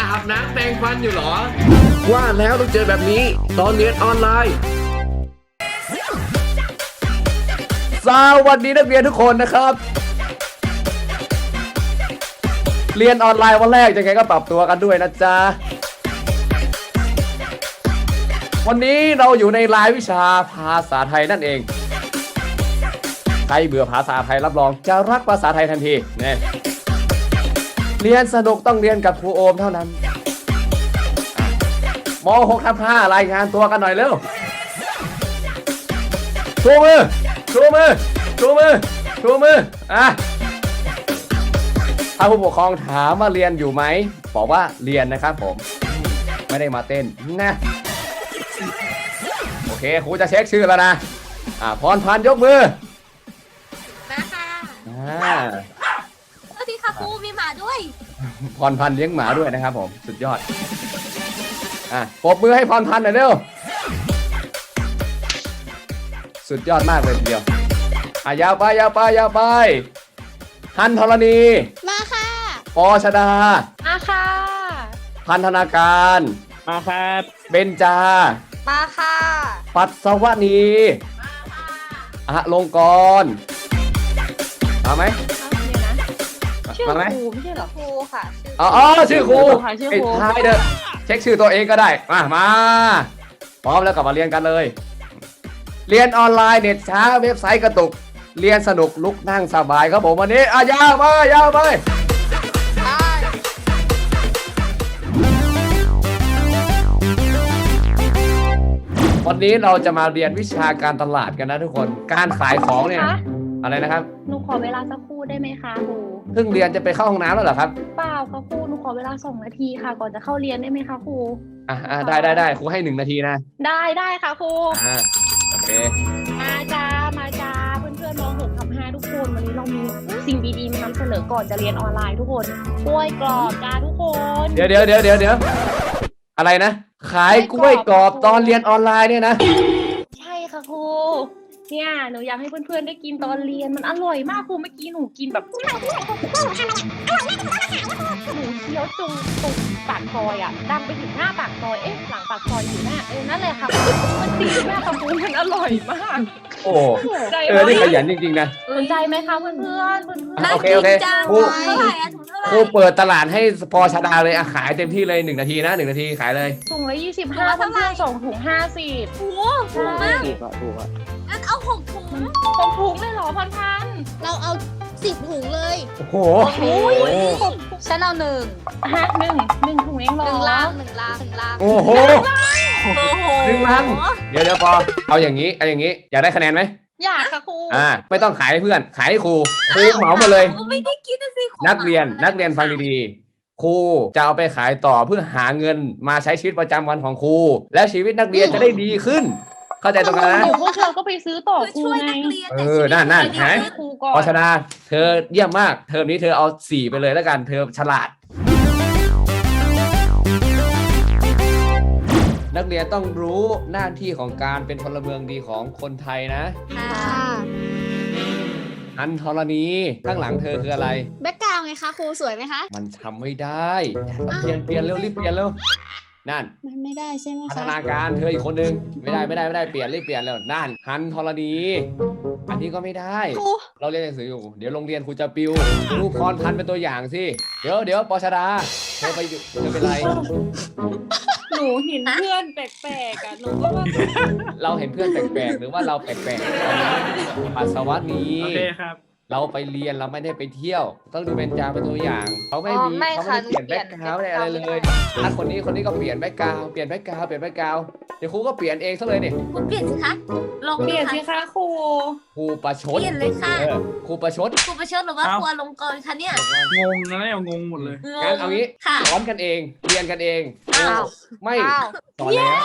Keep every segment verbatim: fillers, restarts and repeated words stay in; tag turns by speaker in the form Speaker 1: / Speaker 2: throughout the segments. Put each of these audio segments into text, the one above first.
Speaker 1: อาบน้ำแปรงฟันอยู่เหรอว่าแล้วต้องเจอแบบนี้ตอนเรียนออนไลน์สวัสดีนักเรียนทุกคนนะครับเรียนออนไลน์วันแรกยังไงก็ปรับตัวกันด้วยนะจ๊ะวันนี้เราอยู่ในรายวิชาภาษาไทยนั่นเองใครเบื่อภาษาไทยรับรองจะรักภาษาไทยทันทีเนี่ยเรียนสนุกต้องเรียนกับครูโอมเท่านั้นม หกทับห้ารายงานตัวกันหน่อยเร็วชูมือชูมือชูมือชูมืออ่ะถ้าผู้ปกครองถามว่าเรียนอยู่ไหมบอกว่าเรียนนะครับผมไม่ได้มาเต้นนะโอเคครูจะเช็คชื่อแล้วนะอ่ะพรพันธ์ยกมือ
Speaker 2: นะคะ
Speaker 1: อ่า
Speaker 2: สวัสดีค่ะครูมีหมาด้วย
Speaker 1: พรพันธ์เลี้ยงหมาด้วยนะครับผมสุดยอดอ่ะปรบมือให้พรพันธ์หน่อยเร็วสุดยอดมากเลยทีเดียวอ่ะยาวไปยาวไปยาวไปฮันธรณี
Speaker 2: มาค่ะ
Speaker 1: ปอชดา
Speaker 2: มาค่ะ
Speaker 1: พันธนาการ
Speaker 3: มาครับ
Speaker 1: เบญจา
Speaker 2: มาค่ะ
Speaker 1: ปัสสวนีอะลงกรณ์มาไหม
Speaker 2: ชื่อครูไม่ใช่หรอครูค่ะ
Speaker 1: อ๋อชื่อครูไอ้ท้ายเด้อเช็คชื่อตัวเองก็ได้มามาพร้อมแล้วกลับมาเรียนกันเลยเรียนออนไลน์เน็ตช้าเว็บไซต์กระตุกเรียนสนุกลุกนั่งสบายครับผมวันนี้อ่ะยาวไปยาวไปวันนี้เราจะมาเรียนวิชาการตลาดกันนะทุกคนการขายของเนี่ยอะไรนะครับ
Speaker 2: หนูขอเวลาสักครู่ได้ไหมคะครู
Speaker 1: เพิ่งเรียนจะไปเข้าห้องน้ำแล้วเหรอครับ
Speaker 2: เปล่าค่ะครูหนูขอเวลาสองนาทีค่ะก่อนจะเข้าเรียนได้ไหมคะครู
Speaker 1: อ่าได้ได้ได้ครูให้หนึ่งนาทีนะ
Speaker 2: ได้ได้ค่ะครู
Speaker 1: อ่าโอเค
Speaker 2: มาจ้ามาจ้าเพื่อนเพื่อนมองหกทับห้าทุกคนวันนี้เรามีสิ่งดีๆมานำเสนอก่อนจะเรียนออนไลน์ทุกคนกล้วยกรอบจ้าทุกคน
Speaker 1: เดี๋ยวเดี๋ยวเดี๋ยวเดี๋ยวเดี๋ยวอะไรนะขายกล้วยกรอบตอนเรียนออนไลน์เนี่ยนะ
Speaker 2: ใช่ค่ะครูเนี่ยหนูอยากให้เพื่อนๆได้กินตอนเรียนมันอร่อยมากครูเมื่อกี้หนูกินแบบหนูเคี้ยวจงตรงปากซอยอ่ะดังไปถึงหน้าปากซอยเอ๊ะหลังปากซอยอยู่หน้าเออนั่นเลยค่ะมันดีมากค่ะครูมันอร่อยมาก
Speaker 1: โอ้เออนี่ขยันจริงๆนะ
Speaker 2: สนใจไหมคะเพื่อนๆเพื่อน
Speaker 1: โอเคโอเคครูครูเปิดตลาดให้พอชดาเลยอะขายเต็มที่เลยหนึ่งนาทีนะหนึ่งนาทีขายเลย
Speaker 2: ถุงละยี่สิบห้าเพื่อนๆส่งถุงห้าสิบโอ้โหถูกมาก
Speaker 3: ถูกอะถูกอะ
Speaker 2: งั้นเอาหกถุงหกถุงเลยเหรอพันพันเราเอาสิบถุงเลย
Speaker 1: โอ้โห
Speaker 2: ฉันเอาหนึ่งฮะหนึ่งหนึ่งถุงเองเหรอหนึ่งลังหนึ่งลังหนึ่งลัง
Speaker 1: โอ้โหหนึ่งลังเดี๋ยวเดี๋ยวพอเอาอย่างนี้เอาอย่างนี้อยากได้คะแนนไหม
Speaker 2: อยากค่ะครู
Speaker 1: อ่าไม่ต้องขายให้เพื่อนขายให้ครูครูเหมามาเลย
Speaker 2: ไม่ได้คิดนะสิ
Speaker 1: นักเรียนนักเรียนฟังดีๆครูจะเอาไปขายต่อเพื่อหาเงินมาใช้ชีวิตประจำวันของครูและชีวิตนักเรียนจะได้ดีขึ้นเข้าใจตรงกันนะ
Speaker 2: พวกเราก็ไปซื้อต่อครูไง
Speaker 1: เออนั่นนั่นฮะพอชนะเธอเยี่ยมมากเทอมนี้เธอเอาสี่ไปเลยแล้วกันเธอฉลาดนักเรียนต้องรู้หน้าที่ของการเป็นพลเมืองดีของคนไทยนะอันธรณีข้างหลังเธอคืออะไร
Speaker 2: แบ็คกราวด์ไงคะครูสวยไหมคะ
Speaker 1: มันทำไม่ได้เปลี่ยนเปลี่ยนเร็วรีบเปลี่ยนเร็วนั่น
Speaker 2: มันไม่ได้ใช่ไหมคะ
Speaker 1: พัฒนาการเธออีกคนนึงไม่ได้ไม่ได้ไม่ได้เปลี่ยนรีบเปลี่ยนแล้วนั่นฮันธรณีอันนี้ก็ไม่ได้เราเรียนหนังสืออยู่เดี๋ยวโรงเรียนครูจะปิวรูปพรพันธ์เป็นตัวอย่างสิเดี๋ยวเดี๋ยวปชดาเธอไปเธอเป็นไร
Speaker 2: หนูเห็นเพื่อนแปลกๆอ่ะหนูก็ว่า
Speaker 1: เราเห็นเพื่อนแปลกๆหรือว่าเราแปลกๆปัสสาวะนี้
Speaker 3: โอเคครับ
Speaker 1: เราไปเรียนเราไม่ได้ไปเที่ยวต้องดูเบญจาเป็นตัวอย่างเขาไม่มีเขาไม่เปลี่ยนแบ็คกราวด์อะไรเลยถ้าคนนี้คนนี้ก็เปลี่ยนแบ็คกราวด์เปลี่ยนแบ็คกราวด์เปลี่ยนแบ็คกราวด์เดี๋ยวครูก็เปลี่ยนเองซะเลยเนี่ย
Speaker 2: ครูเปลี่ยนสิคะลอง
Speaker 3: เปลี่ยนสิคะครู
Speaker 1: ครูประชด
Speaker 2: เปลี่ยนเลยค่ะ
Speaker 1: ครูประชด
Speaker 2: ครูประชดหรือว่าครูลงกรคะเนี่ย
Speaker 3: งงนะเนี่ยงงหมดเลย
Speaker 1: งั้นเอางี้สอนกันเองเรียนกันเองไม่สอนแล้ว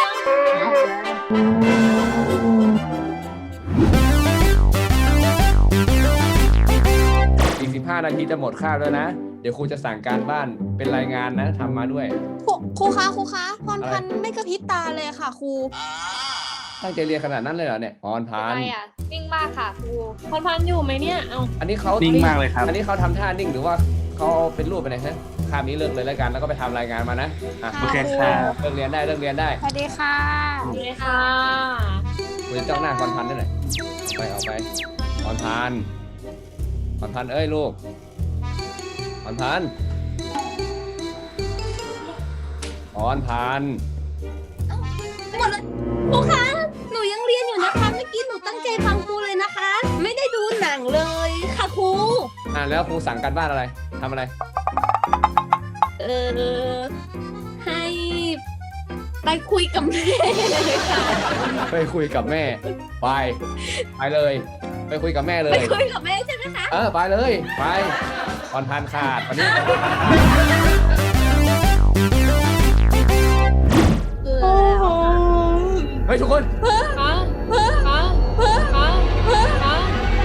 Speaker 1: อีกสิบห้านาทีจะหมดคาบแล้วนะเดี๋ยวครูจะสั่งการบ้านเป็นรายงานนะทำมาด้วย
Speaker 2: ครูคะครูคะพรพันธ์ไม่กระพริบตาเลยค่ะครู
Speaker 1: ตั้งใจเรียนขนาดนั้นเลยเหรอเนี่ยพรพันธ์
Speaker 2: อะไรอ่ะนิ่งมากค่ะครูพรพันธ์อยู่ไหมเนี่ยเอา
Speaker 1: อันนี้เขา
Speaker 3: นิ่งมากเลยครับ
Speaker 1: อันนี้เขาทำท่านิ่งหรือว่าเขาเป็นรูปไปไหนฮะคาบนี้เลิกเลยแล้วกันแล้วก็ไปทำรายงานมานะอ่ะ
Speaker 3: โอเคครับ
Speaker 1: เลิกเรียนได้เลิกเรียนได้
Speaker 4: สวัสดีค่ะ
Speaker 2: เลยค่ะ
Speaker 1: คุยเจ้าหน้าพรพันธ์ได้หน่อยไปเอาไปพรพันธ์พรพันธ์เอ้ยลูกพรพันธ์พรพันธ์
Speaker 4: หมดแล้วครูคะ หนูยังเรียนอยู่นะคะ เมื่อกี้หนูตั้งใจฟังครูเลยนะคะ ไม่ได้ดูหนังเลยค่ะครู
Speaker 1: อ่ะแล้วครูสั่งการบ้านอะไรทำอะไร
Speaker 4: เออ ให้ไปคุยกับแม่เลยค่ะ
Speaker 1: ไปคุยกับแม่ไปไปเลย ไปคุยกับแม่เล
Speaker 4: ไป
Speaker 1: ย
Speaker 4: คุยกับแม่ใช่ไหมคะ
Speaker 1: เออไปเลยไปพรพันธ์ขาดวันนี้
Speaker 4: เออ
Speaker 1: เฮ้ยทุกคน
Speaker 2: ฮะฮะฮะฮะฮะ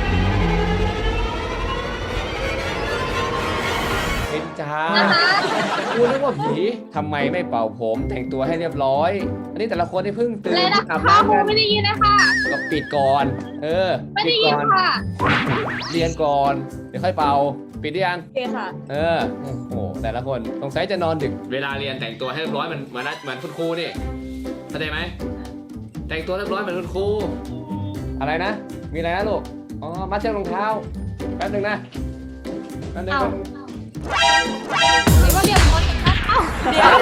Speaker 1: เป็นจ้ากูนึกว่าผีทำไมไม่เป่าผมแต่งตัวให้เรียบร้อย อันนี้แต่ละคนที่เพิ่งตื่น
Speaker 2: เลยนะ
Speaker 1: อาบ
Speaker 2: คะครู
Speaker 1: น้ำกัน
Speaker 2: ไม่ได้ยินนะคะ
Speaker 1: ก็ปิดก่อน เออ
Speaker 2: ไม่
Speaker 1: ปิ
Speaker 2: ได้
Speaker 1: ด
Speaker 2: ยิน
Speaker 1: ก่อน
Speaker 2: ค่ะ
Speaker 1: เรียนก่อนเดี๋ยวค่อยเป่าปิดหรือยัง
Speaker 4: โอเคค่ะ
Speaker 1: เออโอ้โหแต่ละคนสงสัยจะนอนดึกเวลาเรียนแต่งตัวให้เรียบร้อยเหมือนเหมือนเหมือนคุณครูนี่เข้าใจไหมแต่งตัวเรียบร้อยเหมือนคุณครูอะไรนะ มีอะไรนะลูกอ๋อมัดเชือกรองเท้าแป๊บนึงนะแป๊บนึง
Speaker 4: เอา
Speaker 2: นี่ว่าเรียนมอจากนั้นเอ้าเดี๋ยว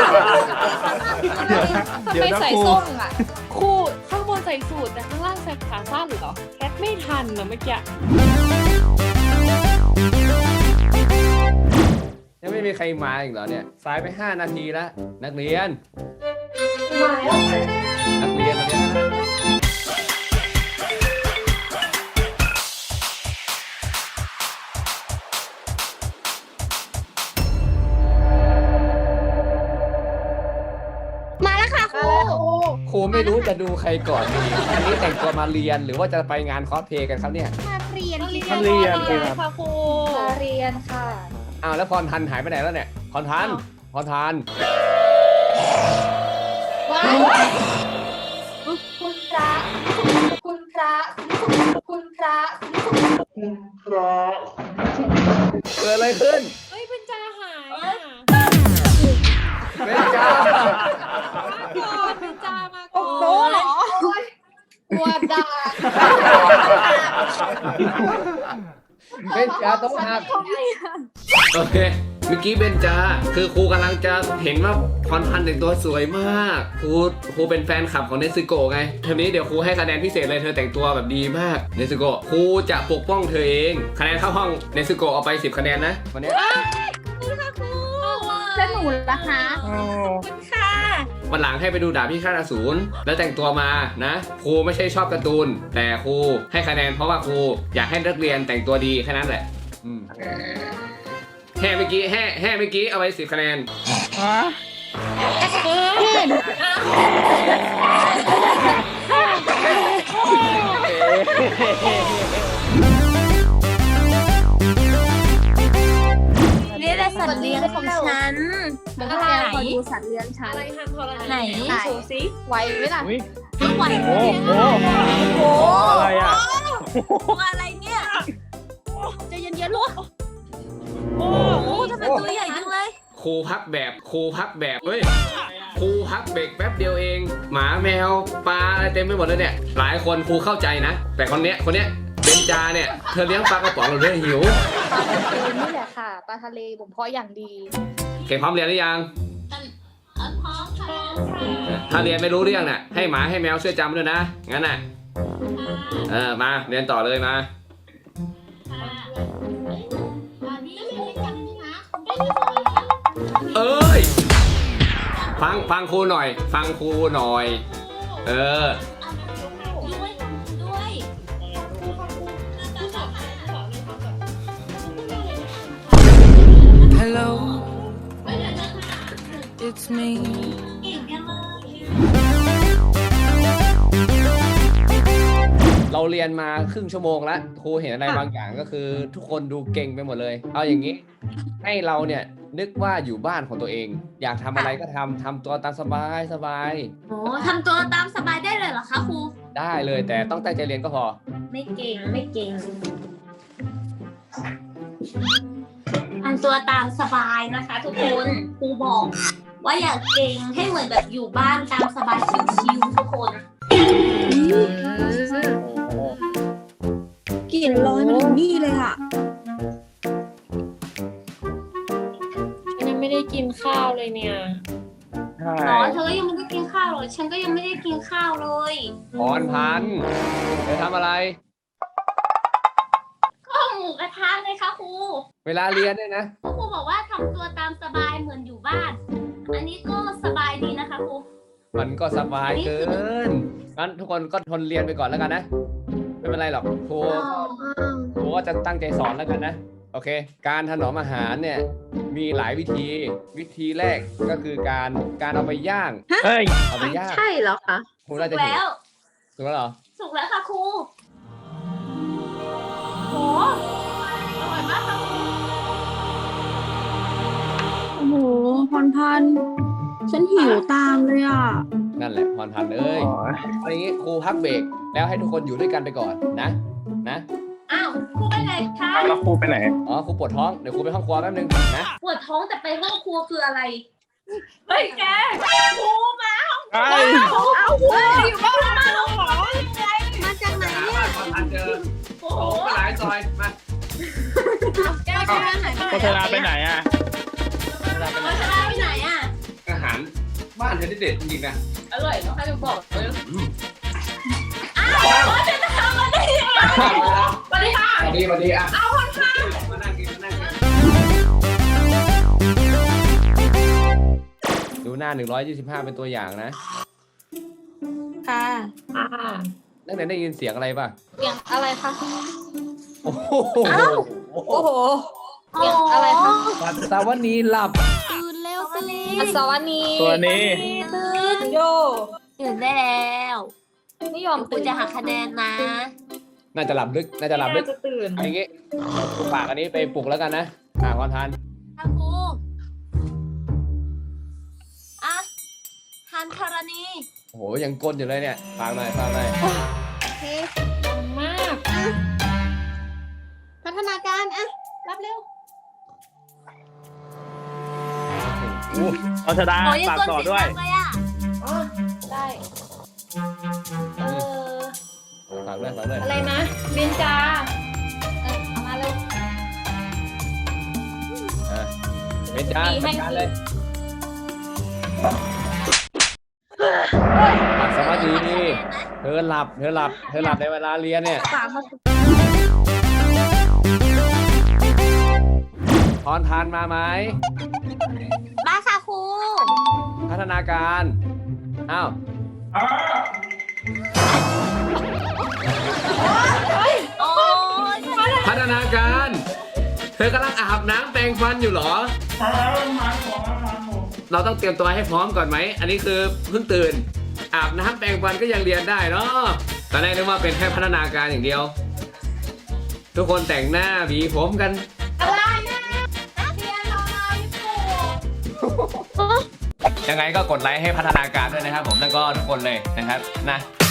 Speaker 2: ทำไมใส่ส้มอ่ะครูข้างบนใส่สูทแต่ข้างล่างใส่ขาสั้นเหรอแคทไม่ทันนะเมื่อกี้
Speaker 1: ยังไม่มีใครมาอีกเหรอเนี่ยสายไปห้านาทีแล้วนักเรียน
Speaker 4: มาแล้ว
Speaker 1: นักเรียนมาเรียนนะ
Speaker 4: มาแล้วค่ะครู
Speaker 1: ครูไม่รู้จะดูใครก่อนดีอันนี้แต่งตัวมาเรียนหรือว่าจะไปงานคอสเพลย์กันครับเนี่ย
Speaker 4: มาเรียนที่
Speaker 3: มาเรียนสิครับ
Speaker 2: ค่ะครู
Speaker 4: มาเรียนค่ะ
Speaker 1: อ้าวแล้วพรทันหายไปไหนแล้วเนี่ยพรทันพรทัน
Speaker 4: ว้าวคุณพระ คุณพระ คุณพระ
Speaker 1: เกิดอะไรขึ้น
Speaker 2: เฮ้ยเป็นจ่าหายอ่ะ
Speaker 1: เป็นจ้า
Speaker 2: ก่อนเป็นจ่ามาก่อน
Speaker 4: โอ้เหรอวัวดา
Speaker 1: เป็นจ้าต้องหักโอเคเมื่อกี้เบนจาคือครูกำลังจะเห็นว่าพรพันธ์แต่งตัวสวยมากครูครูเป็นแฟนคลับของเนซึโกะไงเทอมนี้เดี๋ยวครูให้คะแนนพิเศษเลยเธอแต่งตัวแบบดีมากเนซึโกะครูจะปกป้องเธอเองคะแนนเข้าห้องเนซึโกะเอาไปสิบคะแนนนะวันนี้
Speaker 4: แล้วหนูล่ะคะค่ะ
Speaker 1: วันหลังให้ไปดูดาบพิฆาตอสูรแล้วแต่งตัวมานะครูไม่ใช่ชอบการ์ตูนแต่ครูให้คะแนนเพราะว่าครูอยากให้นักเรียนแต่งตัวดีแค่นั้นแหละอืมแห่เมื่อกี้แห่แห่เมื่อกี้เอาไปสิบคะแนน
Speaker 3: ฮะ
Speaker 4: นี่แหละสัตว์เลี้ยงของฉันเดี๋ยวแกคอยดูสัตว์เลี้ยงฉัน
Speaker 2: อะไรทำทร
Speaker 4: ไหน
Speaker 2: โชว์ซิไหวไหมล่ะ
Speaker 3: อุ้ย
Speaker 4: ไม่ไหว
Speaker 3: โอ้โห
Speaker 4: โอ้
Speaker 3: อะไรอ่ะ
Speaker 4: อะไรเนี่ยใจเย็นๆลูก
Speaker 3: โอ้
Speaker 4: โอ้ทำไมตัวใหญ่จังเลย
Speaker 1: ครูพักแบบครูพักแบบเฮ้ยครูพักเบรกแป๊บเดียวเอง หมาแมวปลาอะไรเต็มไปหมดเลยเนี่ยหลายคนครูเข้าใจนะ แต่คนเนี้ยคนเนี้ยเบนจาเนี่ยเธอเลี้ยงปลากระป๋องหรือเรื่องหิว
Speaker 5: ปลาทะเลนี่แหละค่ะปลาทะเลผมเพาะอย่างดี
Speaker 1: เก่งพร้อมเรียนหรือยังถ้าเรียนไม่รู้เรื่องน่ะให้หมาให้แมวช่วยจำด้วยนะงั้นน่ะเออมาเรียนต่อเลยมาเอ้ยฟังฟังครูหน่อย ฟังครูหน่อย เออ
Speaker 6: Hello, it's me.
Speaker 1: เราเรียนมาครึ่งชั่วโมงแล้วครูเห็นอะไรบางอย่างก็คือทุกคนดูเก่งไปหมดเลย เอาอย่างนี้ ให้เราเนี่ยนึกว่าอยู่บ้านของตัวเอง อยากทำอะไรก็ทำทำตัวตามสบายสบาย
Speaker 4: โอ้ทำตัวตามสบายได้เลยเหรอคะครู
Speaker 1: ได้เลยแต่ต้องตั้งใจเรียนก็พอ
Speaker 4: ไม่เก่งไม่เก่ง อันำตัวตามสบายนะคะ ทุกคนครูบอก ว่าอย่าเก่งให้เหมือนแบบอยู่บ้านตามสบายชิวๆทุกคน
Speaker 6: กลิ่นลอยมาถึงนี่เลยอ่ะ
Speaker 2: ฉันยังไม่ได้กินข้าวเลยเนี่ย
Speaker 3: ใช่
Speaker 4: อ๋อเธอก็ยังไม่ได้กินข้าวเลยฉันก็ยังไม่ได้กินข้าวเลย
Speaker 1: พรพันธ์เธอทำอะไร
Speaker 4: ก็หมูกระทะเลยค่ะครู
Speaker 1: เวลาเรียนเนี่ยนะ
Speaker 4: ครูบอกว่าทำตัวตามสบายเหมือนอยู่บ้าน อันนี้ก็สบายดีนะคะครู
Speaker 1: มันก็สบายเกิน งั้นทุกคนก็ทนเรียนไปก่อนแล้วกันนะ ไม่เป็นไรหรอกครูครูก็จะตั้งใจสอนแล้วกันนะ โอเค การถนอมอาหารเนี่ย มีหลายวิธี วิธีแรกก็คือการการเอาไปย่าง
Speaker 3: เฮ้ย
Speaker 1: เอาไปย่าง
Speaker 6: ใช่เหรอคะ
Speaker 1: ครู
Speaker 4: สุ
Speaker 1: น่าก จะถูก
Speaker 4: แล้ว
Speaker 1: ถูกแล้วเหรอ
Speaker 4: สุกแล้วค่ะครูโหอร่อยมากค่ะครู
Speaker 6: โอ้โหพรพันธ์ฉันหิวตามเลยอ่ะ
Speaker 1: นั่นแหละพรพันธ์เอ้ยเอาอย่างงี้ครูพักเบรกแล้วให้ทุกคนอยู่ด้วยกันไปก่อนนะ นะ
Speaker 4: อ้าวครูไปไหนคะ
Speaker 3: แล้วครูไปไหน
Speaker 1: อ๋อครูปวดท้อง เดี๋ยวครูไปห้องครัวแป๊บนึงนะ
Speaker 4: ปวดท้องแต่ไปห้องครัวคืออะไร เฮ้ยแกครูมาห้องครัว
Speaker 3: เอ้ย
Speaker 4: เอาครูอยู่บ้านมาห้องครัวได้ยังไง
Speaker 6: มาจากไหน
Speaker 1: หา
Speaker 6: เนี่ย
Speaker 1: บ้านพรพันธ์เจอ
Speaker 4: โอ้โห
Speaker 1: โอ้ไปหลายซอย มา
Speaker 4: แกไปไหนไปไหน
Speaker 3: โฆษณาไปไหนอ่ะ
Speaker 4: โฆษณาไปไหนอ่ะ
Speaker 1: อาหารบ้านเธอได้เด็ดจริงๆนะ
Speaker 2: อร่อยเนาะให้ดูบอกเลย
Speaker 4: อ้าวโฆษณามาได้ยังไงสวัสดีค่ะ
Speaker 1: สวัสดีสวัสดีอ่ะ
Speaker 4: เอาคนค่ะ
Speaker 1: มานั่งกินมานั่งกินดูหน้าหนึ่งร้อยยี่สิบห้าเป็นตัวอย่างนะ
Speaker 6: ค่ะ
Speaker 2: อ่า
Speaker 1: นักเรียนได้ยินเสียงอะไรป่ะ
Speaker 5: เสียงอะไรคะ
Speaker 1: โอ้โห
Speaker 6: โอ้โห
Speaker 5: เสียงอะไรคะ
Speaker 1: ปัสสาวะนี้หลับ
Speaker 5: ตื่นเร็วสิอัศวนี
Speaker 3: ตัวนี้
Speaker 5: ตื่นโย
Speaker 4: ตื่นได้แล้ว
Speaker 5: ไม่ยอม
Speaker 4: ครู
Speaker 5: ตื่น
Speaker 4: จะหักคะแนนนะ
Speaker 1: น่าจะหลับลึก น่าจะหลับลึก
Speaker 2: จะตื่น
Speaker 1: เอย่างงี้ปลุกปากอันนี้ไปปลุกแล้วกันนะ อ่าพรพันธ์
Speaker 4: ค่ะครูอ่ะฮันธรณี
Speaker 1: โอ้โห ยังก้นอยู่เลยเนี่ยฟังหน่อยฟังหน่อย
Speaker 2: มาก
Speaker 6: พัฒนาการอ่ะ รับเร็ว
Speaker 1: โอ้โห
Speaker 3: เอาชดา
Speaker 4: โอ้ยยัง
Speaker 3: ฝาก
Speaker 4: กวน
Speaker 3: ต่อ
Speaker 4: เสียง
Speaker 3: ด้วย
Speaker 4: ดังเลยอ่ะ
Speaker 2: ได้ เออ
Speaker 1: ฝากด้วยฝากด้วย
Speaker 2: อะไรนะเบนจาเออเอามาเร็ว
Speaker 1: อ่ะเป็นจ้า
Speaker 2: ดีให้
Speaker 1: จัดการเลยปัสสาวะดีเธอหลับ เธอหลับ เธอหลับในเวลาเรียนเนี่ย
Speaker 5: ฝากมา
Speaker 1: พรทานมาไหม
Speaker 4: มาค่ะครู
Speaker 1: พัฒนาการ อ้าว
Speaker 4: โอ้ย
Speaker 1: พัฒนาการ เธอกำลังอาบน้ำแปรงฟันอยู่เหรอ เราต้องเตรียมตัวให้พร้อมก่อนไหม อันนี้คือเพิ่งตื่น อาบน้ำแปรงฟันก็ยังเรียนได้เนาะตอนแรกนึกว่าเป็นแค่พัฒนาการอย่างเดียว ทุกคนแต่งหน้าหวีผมกัน
Speaker 4: อะไรนะนักเรียนรอเราอยู่
Speaker 1: ยังไงก็กดไลค์ให้พัฒนาการด้วยนะครับผมแล้วก็ทุกคนเลยนะครับนะ